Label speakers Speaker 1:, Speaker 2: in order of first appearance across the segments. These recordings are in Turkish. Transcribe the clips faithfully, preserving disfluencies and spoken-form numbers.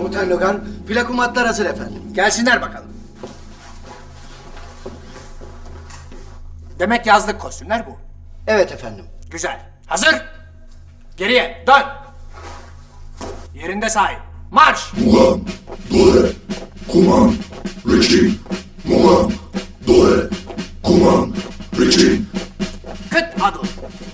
Speaker 1: Komutan Logar, plakumatlar hazır efendim.
Speaker 2: Gelsinler bakalım. Demek yazlık kostümler bu.
Speaker 1: Evet efendim.
Speaker 2: Güzel. Hazır. Geriye dön. Yerinde sahip. Marş.
Speaker 3: Muğam, Dore, Kuman, Reçin. Muğam, Dore, Kuman, Reçin.
Speaker 2: Kıt adım.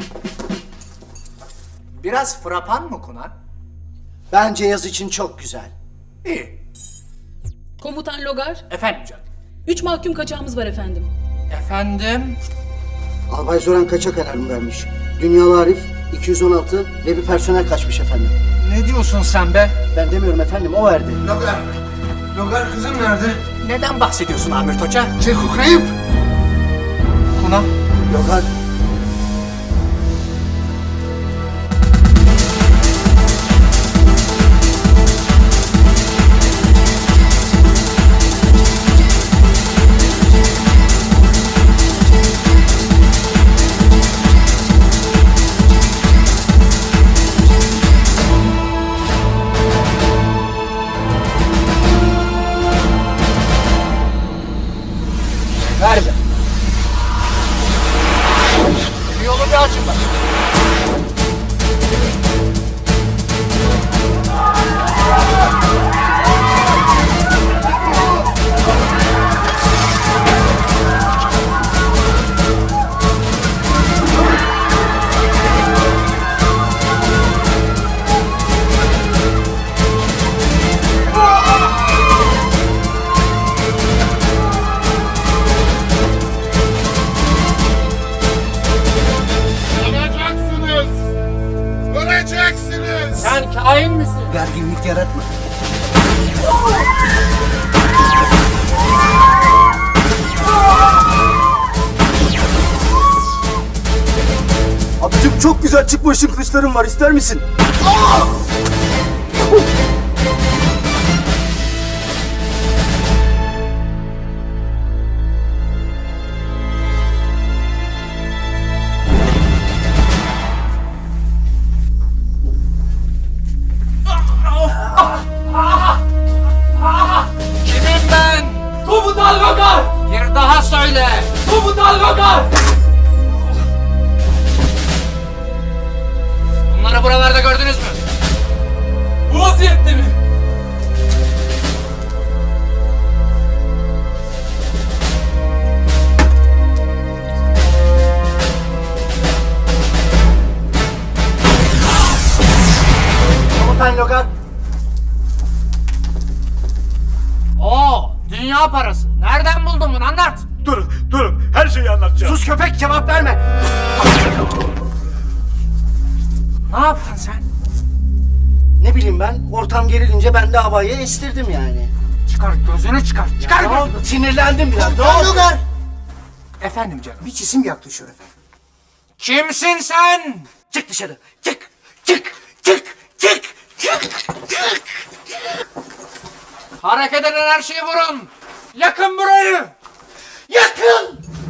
Speaker 2: Biraz frapan mı Kunan?
Speaker 1: Bence yaz için çok güzel.
Speaker 2: İyi.
Speaker 4: Komutan Logar,
Speaker 2: Efendim canım.
Speaker 4: üç mahkum kaçağımız var efendim.
Speaker 2: Efendim.
Speaker 1: Albay Zoran kaçak alarmı vermiş. Dünyalı Arif iki yüz on altı ve bir personel kaçmış efendim.
Speaker 2: Ne diyorsun sen be?
Speaker 1: Ben demiyorum efendim, o verdi.
Speaker 5: Logar, Logar kızım nerede?
Speaker 2: Neden bahsediyorsun Amir Toça?
Speaker 5: Ceko kayıp.
Speaker 2: Kunan.
Speaker 1: Logar,
Speaker 2: Ver be. Bir yolu bir açın bak.
Speaker 3: Öleceksiniz! Öleceksiniz!
Speaker 2: Sen kain misin?
Speaker 1: gerginlik yaratma. Abicim çok güzel çıkma ışın kılıçlarım var, ister misin?
Speaker 2: Kimim ben? Komutan Logar! Bir daha söyle! Komutan Logar! Bunları buralarda gördünüz mü? Bu vaziyette mi?
Speaker 1: Komutan Logar,
Speaker 2: Oo, dünya parası. Nereden buldun bunu? Anlat.
Speaker 3: Durun, durun. Her şeyi anlatacağım.
Speaker 2: Sus köpek, cevap verme. Ne yaptın sen?
Speaker 1: ne bileyim ben, ortam gerilince ben de havayı estirdim yani.
Speaker 2: Çıkar gözünü çıkar. Çıkar
Speaker 1: Ne
Speaker 2: gözünü.
Speaker 1: oldu? Sinirlendim biraz. Ne oldu? Logar!
Speaker 2: Efendim canım.
Speaker 1: Bir cisim yaklaşıyor efendim.
Speaker 2: Kimsin sen?
Speaker 1: Çık dışarı. Çık. Çık. Çık. Çık. Çık. Çık.
Speaker 2: Hareket eden her şeyi vurun. Yakın burayı.
Speaker 1: Yakın.